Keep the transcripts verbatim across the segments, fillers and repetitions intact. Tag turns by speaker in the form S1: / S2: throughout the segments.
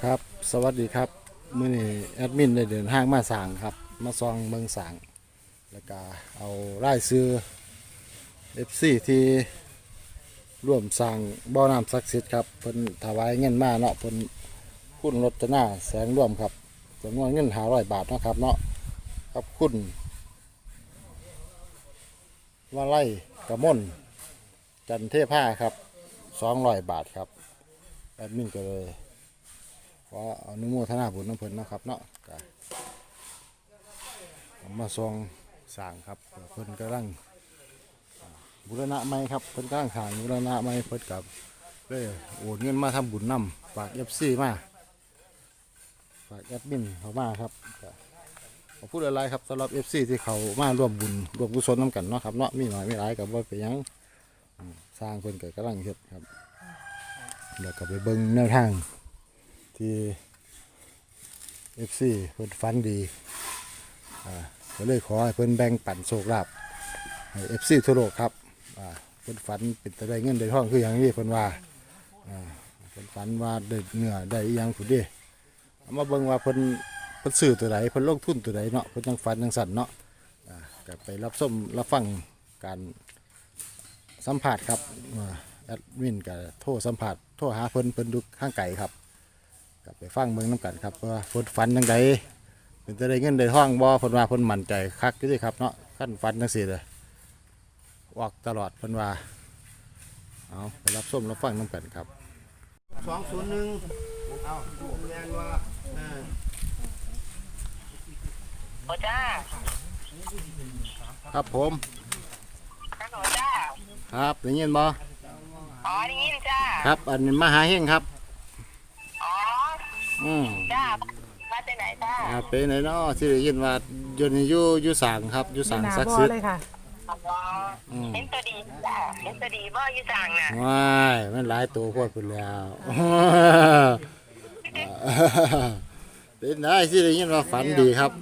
S1: ครับสวัสดีครับมื้อนี้แอดมินได้เดินทางมาสางครับมาซองเมืองสางแล้วก็เอารายชื่อ เอฟ ซี ที่ร่วมสร้างบ่อน้ำศักดิ์สิทธิ์ครับเพิ่นถวายเงินมาเนาะเพิ่นคุณรจนาแสงร่วมครับจำนวนเงินห้าร้อยบาทเนาะครับเนาะครับคุณวาไลกระมนจันเทพาครับสองร้อยบาทครับแอดมินก็เลยขออนุโมทนาบุญน้ำเพิ่นนะครับเนาะก็มาซองสร้างครับเพิ่นกำลังบูรณะใหม่ครับเพิ่นกำลังสร้างบูรณะใหม่เพิ่นกับเลยโอนเงินมาทำบุญนำฝาก เอฟ ซี มาฝากแอดมินเขามาครับก็ขอพูดอะไรครับสำหรับ เอฟ ซี ที่เขามาร่วมบุญร่วมกุศลน้ำกันเนาะครับเนาะมีหน่อยมีหลายกับว่าไปยังสร้างเพิ่นก็กำลังเฮ็ดครับเดี๋ยวก็ไปเบิ่งแนวทางที่ เอฟ ซี เพิ่นฟันดีอ่าก็เลยขอให้เพิ่นแบ่งปันโชคลาภให้ เอฟ ซี ทั่วโลกครับอ่าเพิ่นฝันเป็นแต่ได้เงินได้ทองคืออย่างนี้เพิ่นว่าอ่าเพิ่นฝันว่าได้เนื้อได้อีหยังพุ่นเด้เอามาเบิ่งว่าเพิ่นเพิ่นซื้อตัวใดเพิ่นลงทุนตัวใดเนาะเพิ่นจังฝันจังสั่นเนาะอ่าก็ไปรับชมรับฟังการสัมภาษณ์ครับอ่าแอดมินก็โทรสัมภาษณ์โทรหาเพิ่นเพิ่นดูข้างไกลครับกลับไปฟังเบิ่งน้ำกันครับว่าเพิ่นฝันจังไดเป็นจะได้เงินได้ทองบ่เพิ่นว่าเพิ่นมั่นใจคักอยู่เด้ครับเนาะคันฝันจังซี่เลยออกตลอดเพิ่นว่าเอาไปรับชมรับฟังน้ำกันครับ
S2: สองศูนย์หนึ่งเอาเรียนว่าเออ
S3: โอ้จ้า
S1: ครับผม
S3: ฮัลโหลจ้า
S1: ครับได้ยินบ่
S3: อ๋อได้ยินจ้า
S1: ครับอันนี้มหาเฮงครับ
S3: อ๋อ
S1: อืม
S3: จ้า มาจากไหนจ้า
S1: อ่าเป็นไหนเนาะที่ได้ยินว่าอยู่ในอยู่อยู่สางครับอยู่สางศักดิ์สิทธิ์
S4: เลยค่ะ
S3: อ๋อเห็นตัวดีจ้าเห็นตัวดีบ่อยู่สั่งน่ะ
S1: ว้ายมันหลายตัวโพดพุ่นแล้วเป็นได้ที่ได้ยินว่าฝันดีครับ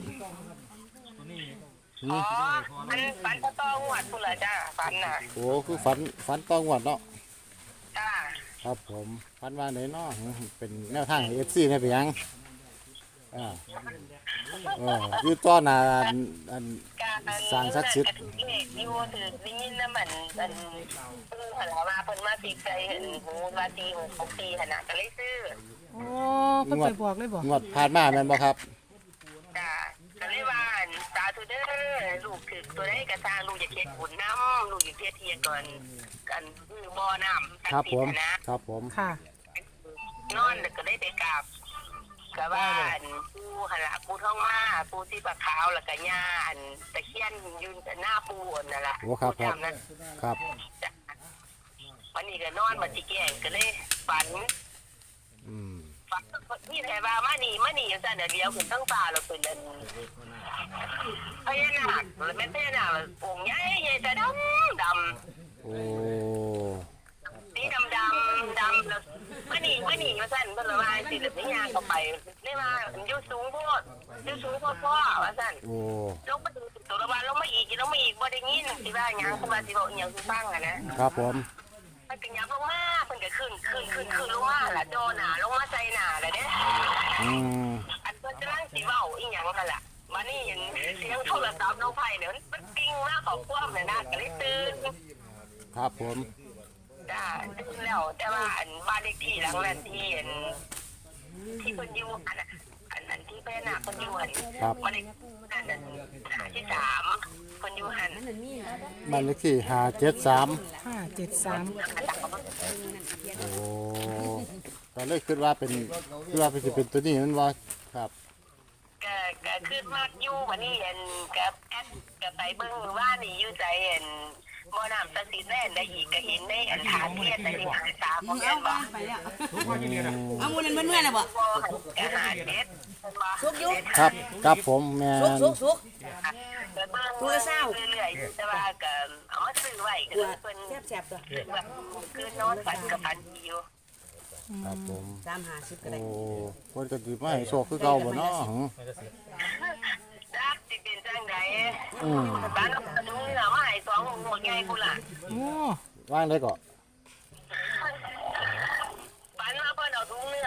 S3: อ๋อมันฝันตะตอหวดพุ่นละจ้าฝันน่ะ
S1: โอ้คือฝันฝันต้องวัดเนาะ
S3: จ้า
S1: ครับผมฝันว่าไหนเนาะเป็นแนวทางเอฟซีเนี่ยไปยังอ่าเอออยู่ต้อนหนาอันอัน
S3: การ
S1: สร้างศักดิ์สิทธิ์
S3: เลขอยู่ถือได้ยินนะมันมันเพิ่งหันมาเพิ่นมาตีใจเห็นหูมาตีหกหกตีขนาดก็เลยซื้อ
S4: โอ้เพิ่นไปบอกเลยบอก
S1: งวดผ่านมาแม่นบ่ครับ
S3: จ้าก็เลยว่าตาทุเด้อลูกถือตัวได้กระซางลูกอย่าเค็ดบุญน้ำลูกอย่าเทียเทียก่อนกันคือบ่อน้ำ
S1: ครับผม
S3: นะครับ
S1: ผม
S4: ค่ะ
S3: นอนแล้วก็ได้ไปกราบกับว่าอันปูหนละปูท้องมาปูที่ปลาขาวแล้วก็ย่าอันตะเคียนยืนแต่หน้าปูนั่นแหละ
S1: โอ้ครับครับ
S3: ปูจำนั้น
S1: ครับ
S3: จ้ะวันนี้ก็นอนมาจิแกงก็เลยฝัน
S1: อืม
S3: ฝันนี่แทว่ามานี่มานี่อยู่แต่เดี๋ยวเดียวคุณตั้งตาเราเป็นอันพญานาคหรือไม่พญานาคองค์ใหญ่ใหญ่แต่ดำดำ
S1: โอ้
S3: สีดำดำดำแล้วมานี่มานี่มาสั่นเพิ่นละว่าสิแล้วนี่ยางเข้าไปนี่มาอยู่สูงโพดอยู่สูงโพดพ่อว่าสั่น
S1: โอ้
S3: ลงมาดูตัวละวันลงมาอีกลงมาอีกบ่ได้ยินสิว่าหยังคือว่าสิบอกอีหยังสิฟังอ่ะนะครับ
S1: ผม
S3: มันเป็นหยังลงมาเพิ่นก็ขึ้นขึ้นขึ้นขึ้นลงมาล่ะโดนหน้าลงมาใส่หน้าแล้วเด้
S1: อืม
S3: อันเพิ่นกำลังสิเว้าอีหยังหั่นล่ะมานี่เห็นเสียงโทรศัพท์น้องไผเนี่ยมันปิ้งมาเข้าความน่ะนะก็เลยตื่น
S1: ครับผม
S3: จ้าตื่นแล้วแต่ว่าอันบ้านเลขที่หลังนั้นที่อันที่เพิ่นอยู่อันน่ะอันนั้นที่พญานาคเพิ่นอยู่อัน
S1: ครับ
S3: บ้านเลขอันนั้นหาที่สามเพิ่นอยู่หัน
S1: บ้านเลขที่ห้าเจ็ดสาม
S4: ห้าเจ็ดสาม
S1: โอ้ก็เลยคิดว่าเป็นคิดว่าเป็นสิเป็นตัวนี้มันว่าครับ
S3: ก็ก็ขึ้นมากอยู่วันนี้อันกับแอดกับไปเบิ่งว่านี่อยู่ใจอันบ่น้ำตะสิแน่ได้อีกก็เห็นในอันฐานเทียนแต่นี่หาตาบ่แม่นบ่
S5: เอามูนันเมื่อยๆนะบ่
S3: บ่ก็หาเด็ดบ่
S5: สุกอยู่
S1: ครับครับผมแม่
S5: สุก
S1: น
S5: สุกสุก
S3: ก็เบิ่ง
S5: ตัวเศร้า
S3: เรื่อยๆแต่ว่าก็เอามาซื้อไว้ก็เลยเพิ่น
S5: แซ่บๆตัว
S3: แบบคือนอนฝันกับฝันดีอยู่
S1: ครับผม
S5: สามหาสิบก็
S1: โอ้
S5: ได้
S1: คนก็สิมาให้โชคคือเก่าบ่เนาะหึ
S3: จักสิเป็นจังได
S1: อืม
S3: บ้านเราตรงนี้น่ะมาให้สองหมดใหญ่พุ่นล่ะ
S4: โอ้
S1: ว่างได้ก็
S3: ฝันว่าเพิ่นเอาถุงเนื้อ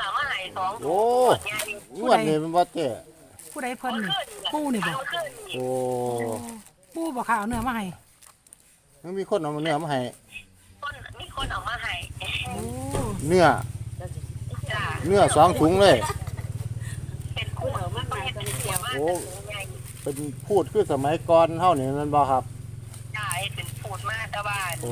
S3: มาให้สอง
S1: โอ้
S3: ใหญ่
S1: งวดนี้มันบ่เจ๊
S4: ผู้ใดเพิ่นนี่ปูนี่บ่
S3: เอาขึ้นนี่
S1: โอ้
S4: ปูบ่ค่ะเอาเนื้อมาให้
S1: มันมีคนเอาเนื้อมาให้
S3: คนมีคนเอามาให้
S4: โอ้
S1: เนื้อ
S3: จ้า
S1: เนื้อสองถุงเลย
S3: เป็นคู่มันเป็นเสียมาก
S1: โอ้ เป็นพูดคือสมัยก่อนเฮานี่มันบ่ครับ
S3: ใช่เป็นพูดมากตะบ้าน
S1: โอ้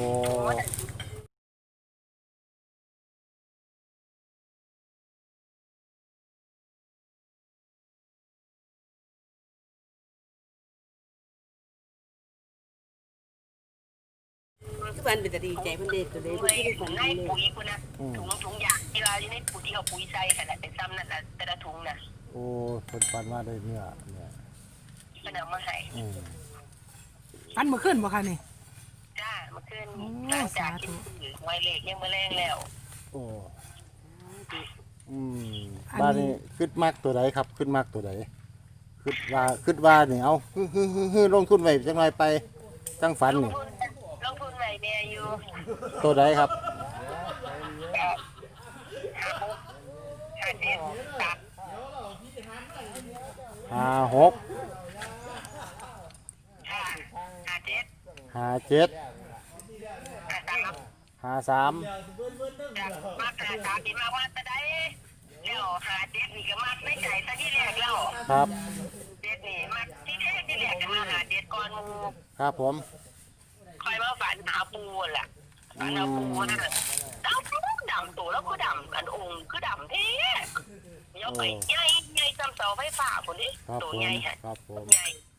S5: ทุกวันเป็นแต่ดีใจเพิ่นเด็ดตัวเด็ด
S3: ใน
S5: ที่ได้ฝัน
S3: ใน
S5: เลย
S3: ปุ๋ยคุณนะถุงถุงยางที่เราอยู่ในปุ๋ยที่เอาปุ๋ยใส่ขนาดเป็นซ้ำนั่นแหละแต่ละถุงน่ะ
S1: โอ้เพิ่นปันมาได้เนื้อเนี่ย
S3: มันเอามาให้
S1: อืม
S4: อันเมื่อคืนบ่ค่ะนี่
S3: จ้ามาขึ้น
S4: โอ้
S3: หลังจาก
S4: สาธุ
S3: กินไวเล็กยังมาแรงแล้ว
S1: โอ้อืมบ้านนี้ขึ้นมากตัวใดครับ ขึ้นมากตัวใดขึ้นว่าขึ้นว่านี่เอาฮึฮึฮึฮึลงทุนไว้จังไรไปจังฝัน
S3: ลง
S1: นี่
S3: ทุนลงทุนไว้แม่อยู่
S1: ตัวใดครับ
S3: ห้าเจ็ดสาม
S1: ห้าหก
S3: ห้าห้าเจ็ด
S1: ห้าเจ็ด
S3: ห้าสาม
S1: ห้าสาม
S3: จากมากหาสามที่มากว่าจะได้แล้วหาเจ็ดนี่ก็มากไม่ใจซะที่แรกแล้ว
S1: ครับ
S3: เจ็ดนี่มากที่แรกที่แรกก็มาหาเจ็ดก่อนหมู
S1: ครับผม
S3: คอยมาฝันหาปูล่ะฝันหาปูนะดำดำตัวแล้วก็ดำอันองค์คือดำเท่เดี๋ยวไปใหญ่ใหญ่จำเสาไฟฟ้าคนนี้
S1: ครับ
S3: ตัว
S1: ผม
S3: ใหญ่ฮะ
S1: ครับผม
S3: ใหญ่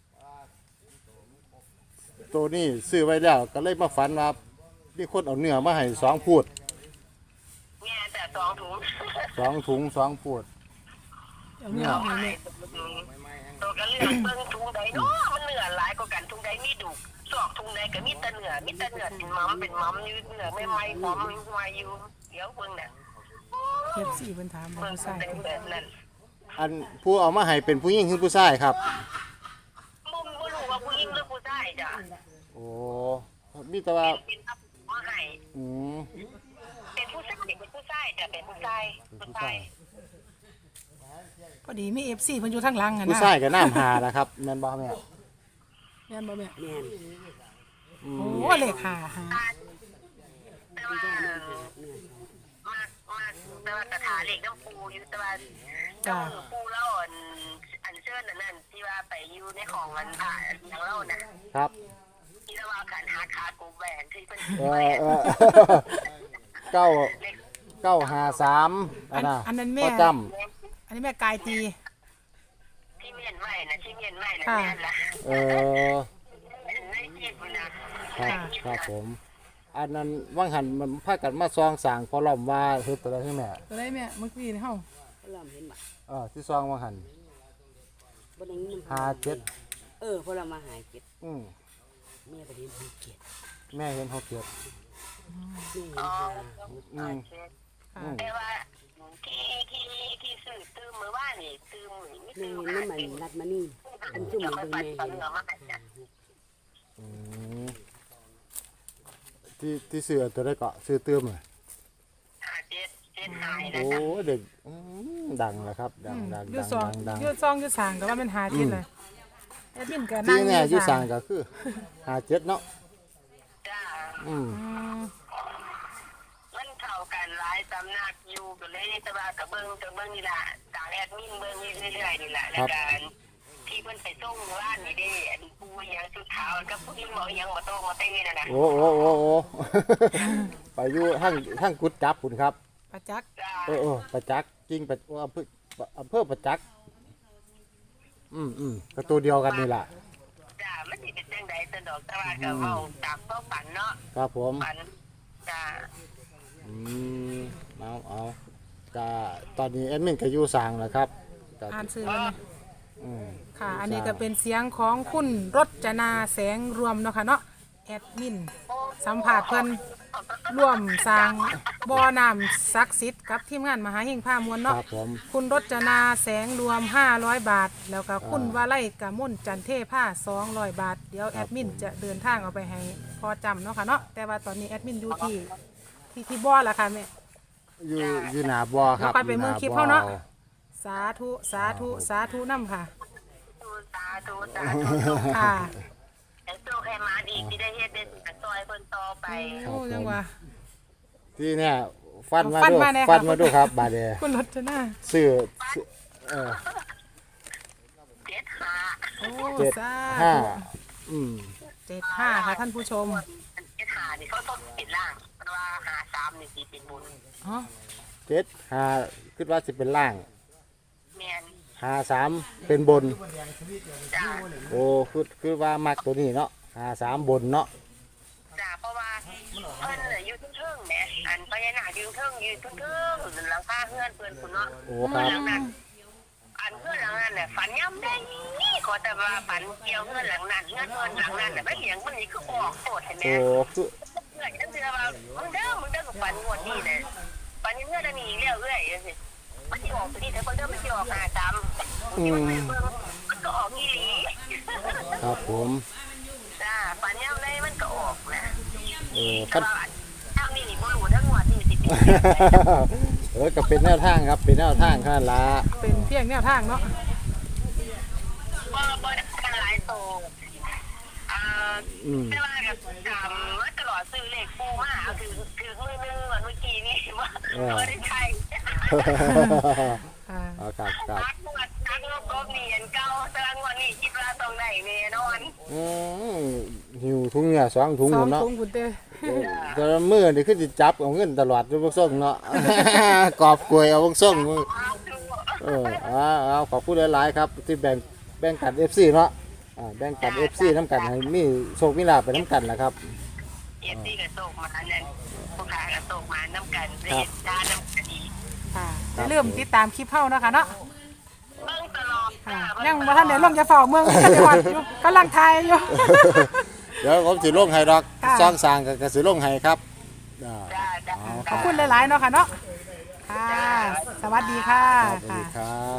S1: ตัวนี้ซื้อไว้แล้วก็เลยมาฝันว่ามีคนเอาเนื้อมาให้สองพูด
S3: แง่แต่สองถุง
S1: สองถุงสองพูด
S4: เอาเนื้อมาให้แม่
S3: ตัวก็เลือกเบิ่งถุงใดเนาะมันเนื้อหลายกว่ากันถุงใดมีดุสอกถุงใดก็มีแต่เนื้อมีแต่เนื้อเป็นมัมเป็นมัมอยู่เนื้อไม่ไหม้หอมไม่อยู่เดี๋ยวเบิ่งน่ะ
S4: เก็บสี่เพิ่นถามบ่
S3: เบิ่ง
S4: ผู้ชาย
S3: เป็นแบบนั้น
S1: อันผู้เอามาให้เป็นผู้หญิงหรือผู้ชายครับ
S3: มุมบ่รู้ว่าผู้หญิงหรือผู้ชายจ้ะ
S1: โอ้มีแต่ว่า
S3: เป็นอับมาให้
S1: อืม
S3: เป็นผู้ชายเป็นผู้ชายจ้ะเป็นผู้ชายผู้ชาย
S4: พอดีมี เอฟ ซี เพิ่นอยู่ทางหลังอ่ะ
S1: ผู้
S4: นะ
S1: ชายกับน้ำหานะครับแม่นบ่แม่
S4: แม่นบ่แม่
S5: แม่น
S1: อื
S4: โอ้
S1: ม
S4: เลขห้าหา
S3: แต่ว่ามากมากแต่ว่ากระถาเหล็กน้ำปูอยู่แต่ว่าเจ้าปูเล่าอันอันเชิญนั่นนั่นที่ว่าไปอยู่ในของมันผ่าอย่างเล่าน่ะ
S1: ครับ
S3: ที่ว่าการหาขากูแหวนที่เป็น
S1: เออเออ เก้าเก้าหาสามอันน่ะ
S4: อันนั้นแม่
S1: พ่อจ
S4: อันนี้แม่กายตี
S3: ที่เมียนใหม่นะที่เมียนใหม่นะแม่ละ
S1: ำเออ
S3: ในจีบนะครับ
S1: ครับผม อันนั้นว่างหันมันพากันมาซองสางพอล้อมว่าเฮ็ดตัวใดให้แม่
S4: ตัวได้แม่เมื่อกี้นี่เฮา
S5: เขาลำเห็นบ่
S1: เออที่ซองว่างหัน
S5: บ่ได้ยิน
S1: ห้าเจ็ด
S5: เออพอเรามาหาเก็บ
S1: อืม
S5: แม่ก็เห็นหาเก็บ
S1: แม่เห็นหกเจ็ด
S5: แม่เห็น
S3: อ๋อ
S5: หา
S1: อืม
S4: ค่ะ
S3: แต่ว่าที่ที่ที่ซื้อตื้มมือว่านี่ตื้มไม่
S5: แม่
S3: ตื้ม
S5: เห็นน้ำมันรัดมานี่อันจุ่ม
S3: เดี๋ยว
S5: เบิ่
S3: ค่อย
S5: ง
S3: ปัด
S5: แม่
S3: ปั
S5: เห็
S3: ด
S5: น
S3: เหนือมาให้จ้ะ
S1: อืมที่ที่ซื้อตัวได้เกาะซื้อเติมเลย
S3: หาเจ็ดเจ็ดหายนะ
S1: โอ้
S3: จ๊ะ
S1: เด็กอืมดังแล้วครับ ดังดัง
S4: อยู
S1: ดัง
S4: ซอง
S1: ดังดัง
S4: อยูซองอยูสางก็ว่ามันหาทิศเลยแอดมินก็นั่
S1: ที่
S4: ง
S1: แน่อ
S4: อยู่
S1: ยู่
S4: สา
S1: สาง งก็คือหาเจ็ดเนาะ
S3: จ้า
S1: อืม
S4: อืม
S3: มันเท่ากันหลายสำนักอยู่ก็เลยแต่ว่ากับเบิ้งกับเบิ้งนี่ล่ะต่างแอดมินเบิ้งเรื่อยๆนี่แหละแล้วกันที่เพิ่นไปส่งร้านนี่เด้อันปูยังสุดขาวกับผู้หญิงบอกยังมาโตมาเต้นั่นน่ะ
S1: โอ้โอ้โอ้โอ้ ไปอยู่ทั้งทั้งกุดจับคุณครับ
S4: ประจักษ์
S3: จ้า
S1: เออเออประจักษ์จริงประอำเภออำเภอประจักษ์อืมอืมก็ตัวเดียวกันนี่แหละ
S3: จ้ามันสิเป็นจังใดสะดอกแต่ว่าก็เว้าตามความฝันเนาะ
S1: ครับผม
S3: ฝันจ้า
S1: อืมเอาเอาก็ตอนนี้แอดมินก็อยู่สร้างแล้วครับก็
S4: อ่านซื้อแล้วไหม
S1: อืม
S4: ค่ะ อันนี้ก็เป็นเสียงของคุณรจนาแสงรวมเนาะค่ะเนาะแอดมินสัมผัสเพิ่นร่วมสร้างบ่อน้ำศักดิ์สิทธิ์กับทีมงานมหาเฮงพามวล
S1: ค
S4: เนาะ
S1: รับผม
S4: คุณรจนาแสงรวมห้าร้อยบาท แล้วก็คุณวาไลกามนจันเทผ้าสองร้อยบาท เดี๋ยวแอดมินจะเดินทางเอาไปให้พอจำเนาะค่ะเนาะแต่ว่าตอนนี้แอดมินอยู่ที่ที่ที่บ่อละค่ะแม่
S5: เอ
S1: อยู่อยู่หน้าบ่อครับ
S4: เดี๋ยวค่อยไปเมืองคลิปเขาเนาะ สาธุสาธุสาธุนำค่ะ
S3: ตูตาตูตาตู
S4: ค่ะ
S3: แต่โซ่ให้มาดีที่ได้เฮ็ดได้สิซอยเพิ่นต่อไป
S4: โอ้ยังว่า
S1: ที่เนี่ยฟันมา
S4: ฟัน
S1: ดู
S4: มาเนี่ย
S1: ฟัน
S4: ค่ะ
S1: มาดูครับบาดเด
S4: คุณรจนา
S1: ซื้อซื้อเออ
S3: เจ็ดหา
S4: โอ้
S1: เจ็ด
S4: สา
S1: ห้า
S4: ธุ
S1: อืม
S4: เจ็ดห้าค่ะท่านผู้ชม
S3: เจ็ดหานี่เขาต้องปิดล่างเพราะว่าหาสามนี่สิเป็นบุญ
S4: อ๋อ
S1: เจ็ดห้าคิดว่าสิเป็นล่าง
S3: แม่น
S1: ห้าสามเป็นบน
S3: จ้า
S1: โอ้คือคือว่ามักตัวนี้เนาะห้าสามบนเนาะ
S3: จ้าเพราะว่าเพิ่นน่ะอยู่เทิงๆแหมอันพญานาคอยู่เทิงอยู่เทิงๆหลังคาเฮือนเพิ่นพุ่นเนาะ
S1: โอ้ครับ
S3: หลังนั้นอันเพื่อนหลังนั้นน่ะฝันย่ำได้ขอแต่ว่าฝันเกี่ยวเพื่อนหลังนั้นเพื่อนเพื่อนหลังนั้นน่ะไม่เลี้ยงมันนี่คือออกโคตรเห็นไหม
S1: โอ้คือ
S3: เพื่อนฉันเชื่อว่ามึงเด้อมึงเด้อกับฝันงวดนี้เลยฝันยังเพื่อนอันนี้เรื่อยเรื่อยๆสิมันจะออกตัวนี้แต่คนเด้อมันจะออกหาจำที่มันเบิ่งมันก็ออกอีหลี
S1: ครับผม
S3: จ้าฝันย่ำได้มันก็ออกนะ
S1: เออ
S3: แต่
S1: คัน
S3: ว่าทางนี้นี่บ่รู้ทั้งงวดนี่สิเป็น
S1: เออก็เป็นแนวทางครับเป็นแนวทางค่ะละ
S4: เป็นเพียงแนวทางเนาะ
S3: บ่บ่ได้กันหลายโตอ่า
S1: อืม
S3: แต่ว่ากับจำว่าตลอดซื้อเลขปูมาคือคือมือนึงวันเมื่อกี้นี่ว่าไม่ได้ใช่
S4: ค่ะ
S1: เอาครับครับ
S3: ทักงวดทักงวดกบเนียนเก่าตารางวันนี้คิดว่าตรงไหนแน่นอน
S1: อืมหิวถุงเนี่ยสองถุง
S4: ส
S1: ห
S4: อ
S1: ม
S4: ง
S1: ดเนาะ
S4: ถุงคุณเต้
S1: แต่ละมือนี่คือสิจับเอาเงินตลอดอยู่บ่ส่งเนาะ กอบกล้วยเอาบ่ส่งมือ
S3: เอาดู
S1: เออเอาเอาขอบคุณหลายๆครับที่แบ่งแบ่งกัน เอฟ ซี เนาะอ่าแบ่งกัน เอฟ ซี น้ำกันให้มีโชคมีลาภไปน้ำกันแหละครับ
S3: เอฟซีกับโศกมานั่นผู้ค้ากับโศกมาน้ำกันเรียนด้านน้ำกันดี
S4: ค่ะอย่าลืมติดตามคลิปเฮาเนาะค่ะเนาะ
S3: เบิ่งตลอด
S4: ค่ะยังบ่ทันได้ลงจะเฝ้าเมืองกันได้ฮอดอยู่กำลังทายอยู่
S1: เดี๋ยวผมสิลงให้ดอก
S4: ค่ะ
S1: ซ่องสร้างก็ก็สิลงให้ครับอ่า
S3: จ้าจ้า
S4: ขอบคุณหลายๆเนาะค่ะเนาะค่ะ สวัสดีค่ะ
S1: ครับสวัส
S4: ค่ะ
S1: ดีครับ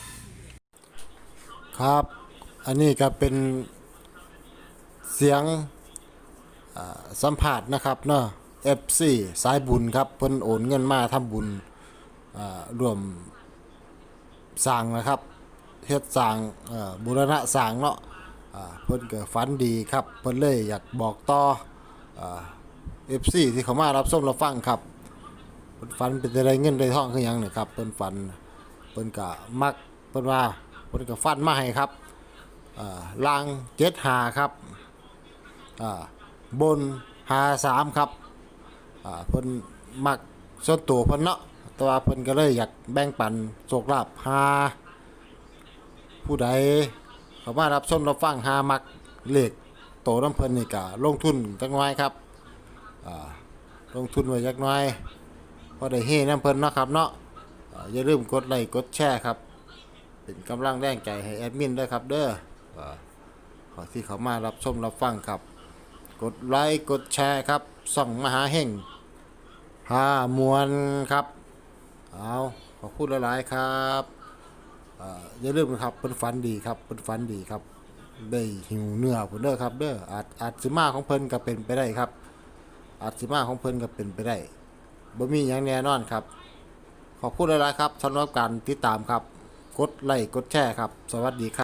S1: ครับ อันนี้ก็เป็นเสียงอ่าสัมผัสนะครับเนาะ เอฟ ซี สายบุญครับเพิ่นโอนเงินมาทำบุญอ่ารวมสร้างนะครับเฮ็ดสร้างเอ่อบูรณะสร้างเนาะอ่าเพิ่นก็ฝันดีครับเพิ่นเลยอยากบอกต่ออ่า เอฟ ซี ที่เขามารับชมรับฟังครับเพิ่นฝันเป็นได้เงินได้ทองคือหยังนี่ครับเพิ่นฝันเพิ่นก็มักเพิ่นว่าเพิ่นก็ฟันมาให้ครับอ่าลางเจ็ดห้าครับอ่าบนห้าสามครับอ่าเพิ่นมักส่วนตัวเพิ่นเนาะแต่ว่าเพิ่นก็เลยอยากแบ่งปันโชคลาภหาผู้ใดเขามารับชมรับฟังหามักเลขโตน้ำเพิ่นนี่ก็ลงทุนจักหน่อยครับอ่าลงทุนไว้จักหน่อยพอได้เฮน้ำเพิ่นเนาะครับเนาะอ่าอย่าลืมกดไลค์กดแชร์ครับเป็นกำลังแรงใจให้แอดมินด้วยครับเด้ออ่าขอที่เขามารับชมรับฟังครับกดไลค์กดแชร์ครับส่องมหาเฮงหามวลครับเอาขอพูดหลายๆครับอ่าอย่าลืมนะครับเป็นฝันดีครับเป็นฝันดีครับได้หิวเนื้อเพิ่นเด้อครับเด้ออาจอาจสิมาของเพิ่นก็เป็นไปได้ครับอาจสิมาของเพิ่นก็เป็นไปได้บ่มีหยังแน่นอนครับขอบคุณหลายๆครับสำหรับการติดตามครับกดไลค์กดแชร์ครับสวัสดีครับ